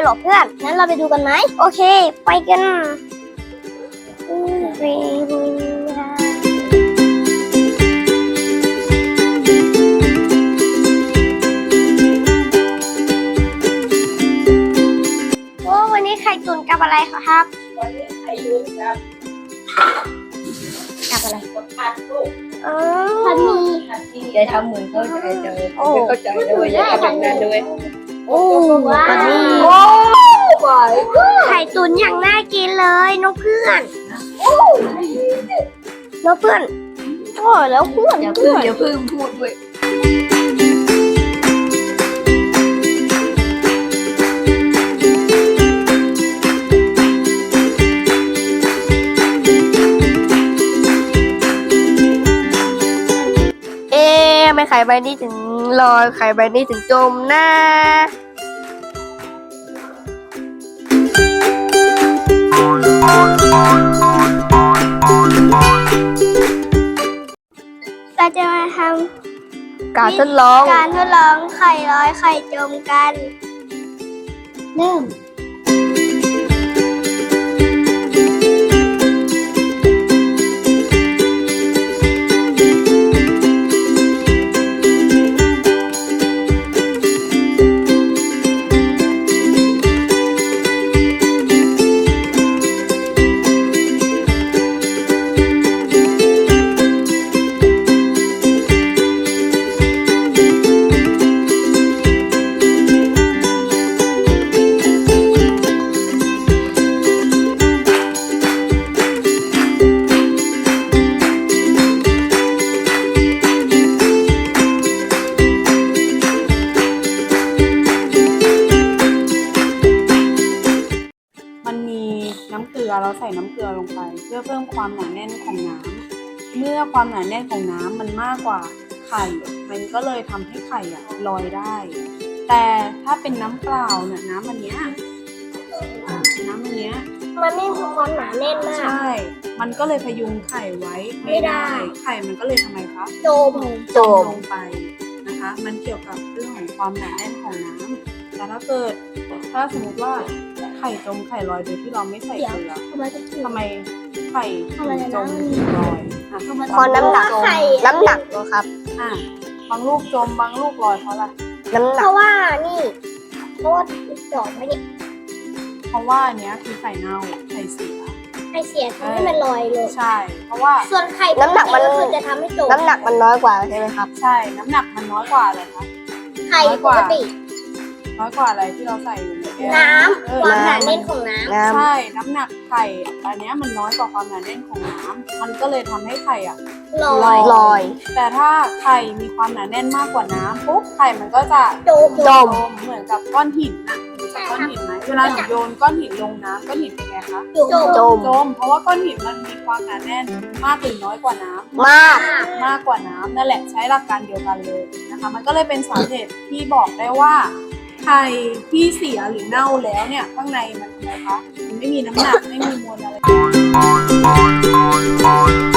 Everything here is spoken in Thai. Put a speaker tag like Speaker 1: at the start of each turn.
Speaker 1: รอเพื่อนงั้นเราไปดูกันไหมโอเคไปกันวันนี้ไข่ตุ๋นกับอะไรครับ
Speaker 2: วันนี้ไข่ตุ๋นครับ
Speaker 1: กับอะไร
Speaker 2: ผัดลูก
Speaker 1: ผัดหมี่
Speaker 2: ยายทำเหมือนเข้าใจจังเลยไม่เข้าใจด้วยยายทำแบบนั้นด้วย
Speaker 1: โอ้ว้าวไข่ตุ๋นอย่างน่ากินเลยนกเพื่อนนกเพื่อนโอ้แล้วเพื่อน
Speaker 2: อย่าเพิ่งพูดด้วย
Speaker 1: ไม่ไข่ใบนี้ถึงลอยไข่ใบนี้ถึงจมนะเราจะมาทำการทดลองไข่ลอยไข่จมกันเริ่ม
Speaker 3: น้ำเกลือเราใส่น้ำเกลือลงไปเพื่อเพิ่มความหนาแน่นของน้ำเมื่อความหนาแน่นของน้ำมันมากกว่าไข่มันก็เลยทำให้ไข่ลอยได้แต่ถ้าเป็นน้ำเปล่าเนี่ยน้ำอันเนี้ยมัน
Speaker 1: ไม่มีความหนาแน่นมาก
Speaker 3: ใช่มันก็เลยพยุงไข่ไว้ไม่ได้ไข่มันก็เลยทำไมคะ
Speaker 1: จม
Speaker 3: ลงไปนะคะมันเกี่ยวกับเรื่องของความหนาแน่นของน้ำแต่ถ้าสมมติว่าไข่จมไข่ลอยโดยที่เราไม่ใส่เกลือทำไมไข่จมลอย
Speaker 1: เพราะน้ำหนักนะครับ
Speaker 3: บางลูกจมบางลูกลอยเพราะอะไร
Speaker 1: น้ำหนักเพราะว่าจอดไม่ได้
Speaker 3: เพราะว่าเนี้ยคือไข่เน่าไข่เสีย
Speaker 1: ทำให้มันลอยเลย
Speaker 3: ใช่เพราะว่า
Speaker 1: ส่วนไข่น้ำหนักมันจะทำให้จมน้ำหนักมันน้อยกว่าใช่ไหมครับ
Speaker 3: ใช่น้ำหนักมันน้อยกว่าเลยครับ
Speaker 1: ไข่ปกติ
Speaker 3: น้อยกว่าอะไรที่เราใส่อยู่ในแก้ว
Speaker 1: น้ำความหนาแน่นของน้
Speaker 3: ำใช่น้ำหนักไข่อันนี้มันน้อยกว่าความหนาแน่นของน้ำมันก็เลยทำให้ไข่
Speaker 1: ลอย
Speaker 3: แต่ถ้าไข่มีความหนาแน่นมากกว่าน้ำปุ๊บไข่มันก็จะ
Speaker 1: จม
Speaker 3: เหมือนกับก้อนหินนะก้อนหินไหมเวลาหนูโยนก้อนหินลงน้ำก้อนหินเป็นไงคะ
Speaker 1: จ
Speaker 3: มเพราะว่าก้อนหินมันมีความหนาแน่นมากหรือน้อยกว่าน้ำมากกว่าน้ำนั่นแหละใช้หลักการเดียวกันเลยนะคะมันก็เลยเป็นสาเหตุที่บอกได้ว่าไข่ที่เสียหรือเน่าแล้วเนี่ยข้างในมันทำไมคะมันไม่มีน้ำหนักไม่มีมวลอะไร